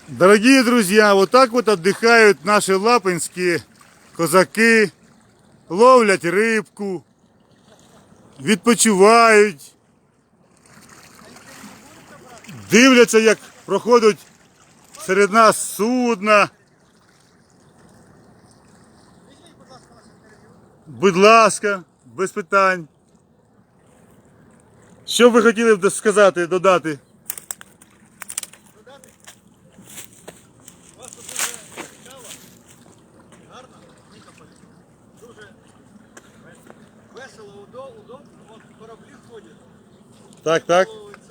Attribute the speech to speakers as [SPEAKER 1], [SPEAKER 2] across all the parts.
[SPEAKER 1] Дорогие друзья, вот так вот отдыхают наши лапинські козаки, ловлять рибку, відпочивають, дивляться, як проходять серед нас судна. Будь ласка, без питань. Що б ви хотіли б сказати, додати?
[SPEAKER 2] У вас тут дуже цікаво, гарно, дуже весело, удобно. От кораблі ходять.
[SPEAKER 1] Так, так.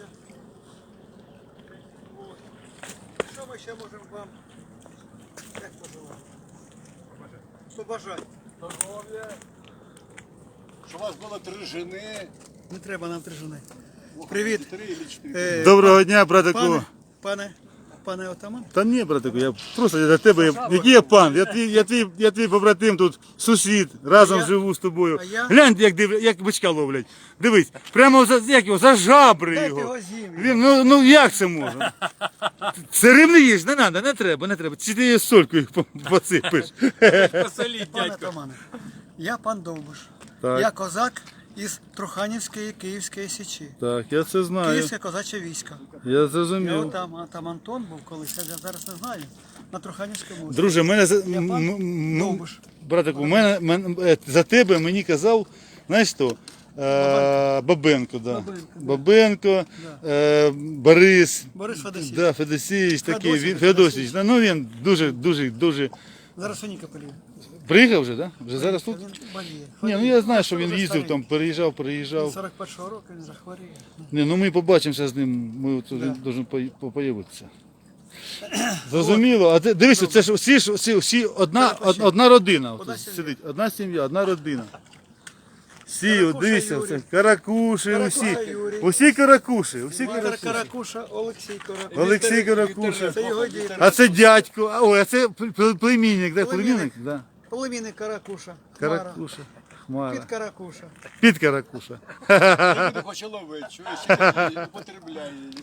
[SPEAKER 2] От. Що ми ще можемо вам як пожелати? Побажати.
[SPEAKER 3] Здоров'я, щоб у вас було 3 жени.
[SPEAKER 2] Не треба нам 3 жени. Привіт.
[SPEAKER 3] 3 чи 4.
[SPEAKER 1] Доброго дня, братику.
[SPEAKER 2] Пане отаман.
[SPEAKER 1] Та ні, братику, я просто для тебе, який я пан, я твій побратим тут, сусід, разом живу з тобою.
[SPEAKER 2] А я?
[SPEAKER 1] Глянь, як бичка ловлять. Дивись, прямо за жабри
[SPEAKER 2] Дайте
[SPEAKER 1] його.
[SPEAKER 2] його зім'ю.
[SPEAKER 1] Він, ну як це можна? Це рибний їж, не треба, не треба. Чи ти її солькою посипиш?
[SPEAKER 3] Посоліть,
[SPEAKER 2] Пане
[SPEAKER 3] дядько.
[SPEAKER 2] отамане, я пан Довбуш.
[SPEAKER 1] Так.
[SPEAKER 2] Я козак із Труханівської Київської Січі.
[SPEAKER 1] Так, я це знаю.
[SPEAKER 2] Київське козаче військо.
[SPEAKER 1] Я
[SPEAKER 2] Я
[SPEAKER 1] зрозумів.
[SPEAKER 2] там Антон був колись, я зараз не знаю. На Труханівському.
[SPEAKER 1] Друже, мене
[SPEAKER 2] Я пан Довбуш.
[SPEAKER 1] братику, за тебе мені казав, знаєш хто? Бабенко, да. Бабенко, Борис.
[SPEAKER 2] Борис Федосійович.
[SPEAKER 1] Да, Федосійович такий,
[SPEAKER 2] Федосійович,
[SPEAKER 1] Федосійович. Ну він дуже.
[SPEAKER 2] Зараз у Ніка полів.
[SPEAKER 1] Приїхав вже, так? Да? Вже зараз тут?
[SPEAKER 2] Він боліє.
[SPEAKER 1] Ні, ну я знаю, що він
[SPEAKER 2] Вже
[SPEAKER 1] їздив
[SPEAKER 2] старий.
[SPEAKER 1] там, переїжджав.
[SPEAKER 2] 41-го року він захворіє.
[SPEAKER 1] Ні, ну ми побачимося з ним, ми тут він повинен появитися. Зрозуміло, а дивися, це ж всі одна родина
[SPEAKER 2] Одна
[SPEAKER 1] тут
[SPEAKER 2] сім'я.
[SPEAKER 1] сидить, одна сім'я, одна родина. Всі,
[SPEAKER 2] Каракуша
[SPEAKER 1] дивися,
[SPEAKER 2] Юрій.
[SPEAKER 1] це каракуші,
[SPEAKER 2] Каракуша Юрій.
[SPEAKER 1] усі каракуші,
[SPEAKER 2] Віктор Каракуша, Олексій Каракуша.
[SPEAKER 1] Олексій Каракуша.
[SPEAKER 2] Це його дід.
[SPEAKER 1] А це дядько, а це племінник, да, племінник? Да.
[SPEAKER 2] Племінник Каракуша. Хмара.
[SPEAKER 1] Каракуша, Хмара,
[SPEAKER 2] Під Каракуша.
[SPEAKER 1] під Каракуша.
[SPEAKER 3] Я не хочу ловити, чуєш, я употребляю її.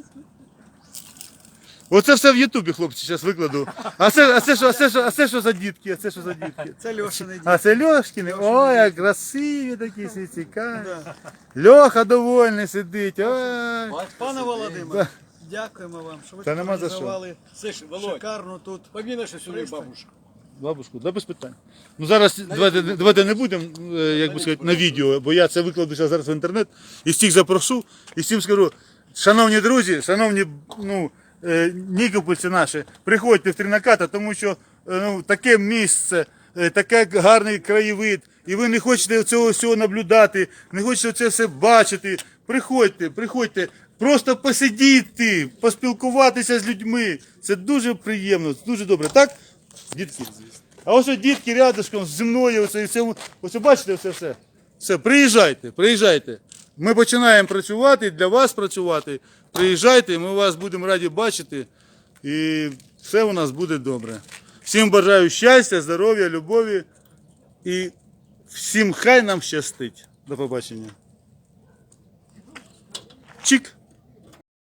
[SPEAKER 1] Оце все в Ютубі, хлопці, зараз викладу. А це що за дітки? А це що за дітки?
[SPEAKER 2] Це Льошини дід.
[SPEAKER 1] А це Льошкіни? Ой, як красиві такі, всі цікаві. Льоха довольний сидить. Ой.
[SPEAKER 2] Пане Володимире, дякуємо вам, що ви
[SPEAKER 1] Та нема за що.
[SPEAKER 2] організували
[SPEAKER 3] Слышь, Володь,
[SPEAKER 2] шикарну тут.
[SPEAKER 3] поміна, що сюди
[SPEAKER 2] Пристань.
[SPEAKER 3] бабушку.
[SPEAKER 1] Бабушку, да без питань. Ну зараз давайте не будемо, як би сказати, на відео, бо я це викладу зараз в інтернет і всіх запрошу, і всім скажу, шановні друзі, шановні, нікопольці наші, приходьте в Тринаката, тому що таке місце, таке гарний краєвид, і ви не хочете цього всього наблюдати, не хочете це все бачити. Приходьте, просто посидіти, поспілкуватися з людьми. Це дуже приємно, дуже добре. Так, дітки? А ось дітки рядышком зі мною, ось бачите все. Все, приїжджайте. Ми починаємо працювати, для вас працювати. Приїжджайте, ми вас будемо раді бачити. І все у нас буде добре. Всім бажаю щастя, здоров'я, любові. І всім хай нам щастить. До побачення. Чик!